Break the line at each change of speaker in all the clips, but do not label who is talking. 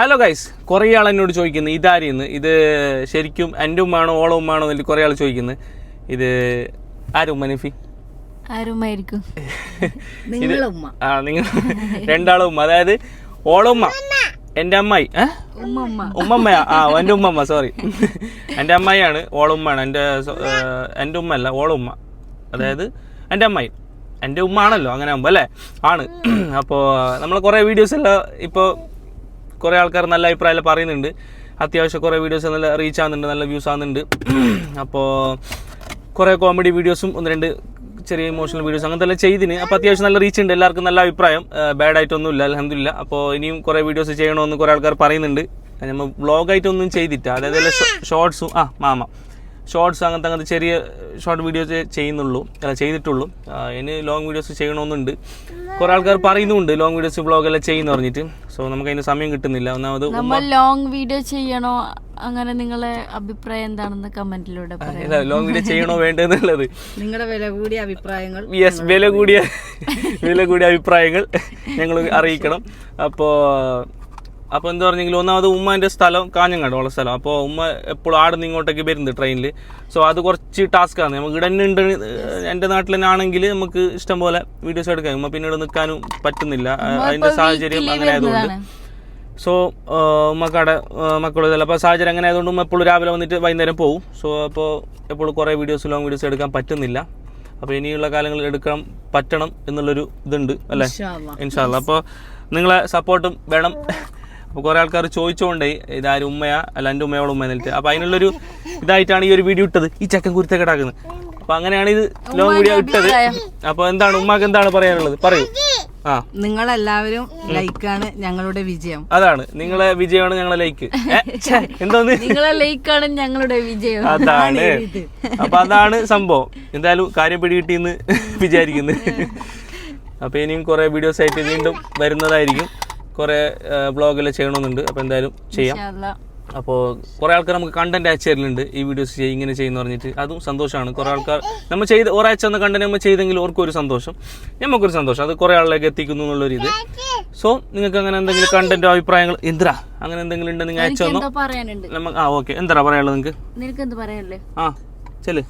Hello guys, കുറേ ആൾ എന്നോട് ചോദിക്കുന്നു ഇതാരെന്ന്, ഇത് ശരിക്കും എൻ്റെ ഉമ്മാണോ ഓള ഉമ്മാണോ എന്നിട്ട് കുറേ ആൾ ചോദിക്കുന്നു. ഇത് ആരും ഉമ്മ നഫി? നിങ്ങൾ രണ്ടാളും ഉമ്മ, അതായത് ഓള ഉമ്മ എൻ്റെ അമ്മായി, ഉമ്മമ്മയാ, എൻ്റെ ഉമ്മമ്മ, സോറി, എൻ്റെ അമ്മായിയാണ്, ഓള ഉമ്മയാണ്. എൻ്റെ ഉമ്മ അല്ല, ഓള ഉമ്മ, അതായത് എൻ്റെ അമ്മായി. എൻ്റെ ഉമ്മ ആണല്ലോ അങ്ങനെ ആകുമ്പോൾ അല്ലേ, ആണ്. അപ്പോൾ നമ്മൾ കുറേ വീഡിയോസ് എല്ലാം ഇപ്പോൾ കുറേ ആൾക്കാർ നല്ല അഭിപ്രായം പറയുന്നുണ്ട്. അത്യാവശ്യം കുറേ വീഡിയോസ് നല്ല റീച്ച് ആകുന്നുണ്ട്, നല്ല വ്യൂസ് ആകുന്നുണ്ട്. അപ്പോൾ കുറേ കോമഡി വീഡിയോസും ഒന്ന് രണ്ട് ചെറിയ ഇമോഷണൽ വീഡിയോസ് അങ്ങനത്തെ എല്ലാം ചെയ്തിന്. അപ്പോൾ അത്യാവശ്യം നല്ല റീച്ച് ഉണ്ട്, എല്ലാവർക്കും നല്ല അഭിപ്രായം, ബാഡ് ആയിട്ടൊന്നുമില്ല, അൽഹംദുലില്ലാ. അപ്പോൾ ഇനിയും കുറേ വീഡിയോസ് ചെയ്യണമെന്ന് കുറേ ആൾക്കാർ പറയുന്നുണ്ട്. നമ്മൾ വ്ളോഗായിട്ടൊന്നും ചെയ്തിട്ട, അതായത് ഷോർട്സും ഷോർട്സ് അങ്ങനത്തെ ചെറിയ ഷോർട്ട് വീഡിയോസ് ചെയ്തിട്ടുള്ളൂ. ഇനി ലോങ് വീഡിയോസ് ചെയ്യണമെന്നുണ്ട്. കുറേ ആൾക്കാർ പറയുന്നുണ്ട് ലോങ് വീഡിയോസ് വ്ളോഗെല്ലാം ചെയ്യുന്ന പറഞ്ഞിട്ട്. സോ നമുക്ക് അതിന് സമയം കിട്ടുന്നില്ല. ഒന്നാമത്
ലോങ് വീഡിയോ ചെയ്യണോ, അങ്ങനെ നിങ്ങളെ അഭിപ്രായം എന്താണെന്ന് കമന്റിലൂടെ പറയാം.
ലോങ് വീഡിയോ ചെയ്യണോ വേണ്ടെന്നുള്ളത്
നിങ്ങളുടെ വില കൂടിയ അഭിപ്രായങ്ങൾ,
യെസ്, വില കൂടിയ അഭിപ്രായങ്ങൾ ഞങ്ങൾ അറിയിക്കണം. അപ്പോൾ എന്താ പറഞ്ഞെങ്കിൽ, ഒന്നാമത് ഉമ്മാൻ്റെ സ്ഥലം കാഞ്ഞങ്ങാട് ഉള്ള സ്ഥലം. അപ്പോൾ ഉമ്മ എപ്പോഴും ആടുന്ന് ഇങ്ങോട്ടേക്ക് വരുന്നത് ട്രെയിനിൽ. സോ അത് കുറച്ച് ടാസ്ക്കാണ്. നമുക്ക് ഇവിടെ തന്നെ ഉണ്ട്, എൻ്റെ നാട്ടിൽ തന്നെ ആണെങ്കിൽ നമുക്ക് ഇഷ്ടം പോലെ വീഡിയോസ് എടുക്കാം. ഉമ്മ പിന്നീട് നിൽക്കാനും പറ്റുന്നില്ല, അതിൻ്റെ സാഹചര്യം അങ്ങനെ ആയതുകൊണ്ട്. സോ ഉമ്മക്കടെ മക്കളിതല്ല, അപ്പോൾ സാഹചര്യം അങ്ങനെ ആയതുകൊണ്ട് ഉമ്മ എപ്പോഴും രാവിലെ വന്നിട്ട് വൈകുന്നേരം പോകും. സോ അപ്പോൾ എപ്പോഴും കുറേ ലോങ് വീഡിയോസ് എടുക്കാൻ പറ്റുന്നില്ല. അപ്പോൾ ഇനിയുള്ള കാലങ്ങളിൽ എടുക്കാൻ പറ്റണം എന്നുള്ളൊരു ഇതുണ്ട് അല്ലേ, ഇൻഷാ അല്ലാ. അപ്പോൾ നിങ്ങളെ സപ്പോർട്ടും വേണം. അപ്പോൾ കുറേ ആൾക്കാർ ചോദിച്ചുകൊണ്ടേ ഇതാരും ഉമ്മയാ അല്ല എൻ്റെ ഉമ്മയോട് ഉമ്മ എന്നിട്ട്. അപ്പോൾ അതിനുള്ളൊരു ഇതായിട്ടാണ് ഈ ഒരു വീഡിയോ ഇട്ടത്, ഈ ചക്കൻ കുരുത്തൊക്കെ ഇടാക്കുന്നത്. അപ്പോൾ അങ്ങനെയാണ് ഇത് ലോങ് വീഡിയോ ഇട്ടത്. അപ്പോൾ എന്താണ് ഉമ്മാക്ക് എന്താണ് പറയാനുള്ളത്, പറയൂ.
നിങ്ങളെല്ലാവരും ലൈക്കാണ് ഞങ്ങളുടെ വിജയം.
അതാണ് നിങ്ങളെ വിജയമാണ് ഞങ്ങളെ ലൈക്ക്. എന്തോന്ന്,
നിങ്ങളെ ലൈക്കാണ് ഞങ്ങളുടെ വിജയം.
അതാണ്. അപ്പൊ അതാണ് സംഭവം. എന്തായാലും കാര്യം പിടികിട്ടിയെന്ന് വിചാരിക്കുന്നു. അപ്പൊ ഇനിയും കുറെ വീഡിയോസ് ആയിട്ട് വീണ്ടും വരുന്നതായിരിക്കും. കുറെ വ്ളോഗെല്ലാം ചെയ്യണമെന്നുണ്ട്. അപ്പോൾ എന്തായാലും ചെയ്യാം. അപ്പോൾ കുറേ ആൾക്കാർ നമുക്ക് കണ്ടന്റ് അയച്ചു തരലുണ്ട്, ഈ വീഡിയോസ് ഇങ്ങനെ ചെയ്യുന്ന പറഞ്ഞിട്ട്. അതും സന്തോഷമാണ്. കുറേ ആൾക്കാർ നമ്മൾ ഒരാഴ്ച എന്ന കണ്ടന്റ് നമ്മൾ ചെയ്തെങ്കിൽ ഓർക്കൊരു സന്തോഷം, നമുക്കൊരു സന്തോഷം. അത് കുറേ ആളിലേക്ക് എത്തിക്കുന്നു എന്നുള്ളൊരു ഇത്. സോ നിങ്ങൾക്ക് അങ്ങനെ എന്തെങ്കിലും കണ്ടന്റോ അഭിപ്രായങ്ങൾ എന്തിനാ അങ്ങനെ എന്തെങ്കിലും ഉണ്ടെങ്കിൽ നിങ്ങൾ അയച്ചു തന്നോ. ഓക്കെ, എന്താ പറയാനുള്ളത് നിങ്ങൾക്ക്? ചെല്,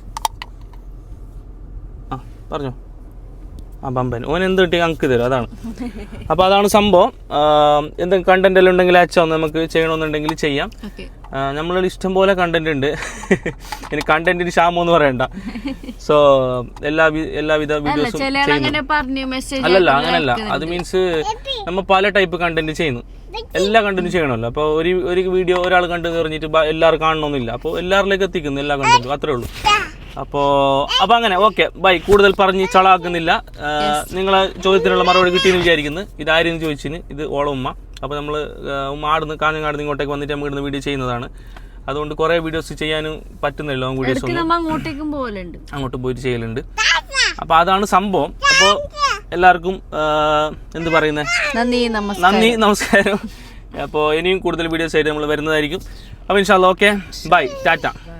പറഞ്ഞോ. ബമ്പൻ ഓൻ എന്ത് കിട്ടി അങ്ക് തരും, അതാണ്. അപ്പോൾ അതാണ് സംഭവം. എന്തെങ്കിലും കണ്ടന്റ് എല്ലാം ഉണ്ടെങ്കിൽ അയച്ചോ, നമുക്ക് ചെയ്യണമെന്നുണ്ടെങ്കിൽ ചെയ്യാം. നമ്മളുടെ ഇഷ്ടം പോലെ കണ്ടന്റ് ഉണ്ട്. ഇനി കണ്ടന്റിന് ക്ഷാമൊന്നും പറയണ്ട. സോ എല്ലാവിധ വീഡിയോസും അല്ലല്ല, അങ്ങനല്ല. അത് മീൻസ് നമ്മൾ പല ടൈപ്പ് കണ്ടന്റ് ചെയ്യുന്നു, എല്ലാ കണ്ടന്റും ചെയ്യണമല്ലോ. അപ്പോൾ ഒരു വീഡിയോ ഒരാൾ കണ്ടു പറഞ്ഞിട്ട് എല്ലാവരും കാണണമെന്നില്ല. അപ്പോൾ എല്ലാവരിലേക്ക് എത്തിക്കുന്നു എല്ലാ കണ്ടന്റും, അത്രേ ഉള്ളൂ. അപ്പോൾ അങ്ങനെ ഓക്കെ, ബൈ. കൂടുതൽ പറഞ്ഞ് ചളാക്കുന്നില്ല. നിങ്ങളെ ചോദ്യത്തിനുള്ള മറുപടി കിട്ടിയെന്ന് വിചാരിക്കുന്നു. ഇതാരെന്ന് ചോദിച്ചിന്, ഇത് ഓള ഉമ്മ. അപ്പോൾ നമ്മൾ ഉമ്മ കാഞ്ഞങ്ങാടുന്ന് ഇങ്ങോട്ടേക്ക് വന്നിട്ട് നമ്മൾ ഇടുന്ന വീഡിയോ ചെയ്യുന്നതാണ്. അതുകൊണ്ട് കുറേ വീഡിയോസ് ചെയ്യാനും പറ്റുന്നില്ല, ലോങ് വീഡിയോസ് ഒന്നും അങ്ങോട്ട് പോയിട്ട് ചെയ്യലുണ്ട്. അപ്പോൾ അതാണ് സംഭവം. അപ്പോൾ എല്ലാവർക്കും എന്ത് പറയുന്നത്, നന്ദി, നമസ്കാരം. അപ്പോൾ ഇനിയും കൂടുതൽ വീഡിയോസ് ആയിട്ട് നമ്മൾ വരുന്നതായിരിക്കും. അപ്പോൾ ഇൻഷാ അല്ലാ, ഓക്കെ, ബൈ, ടാറ്റ.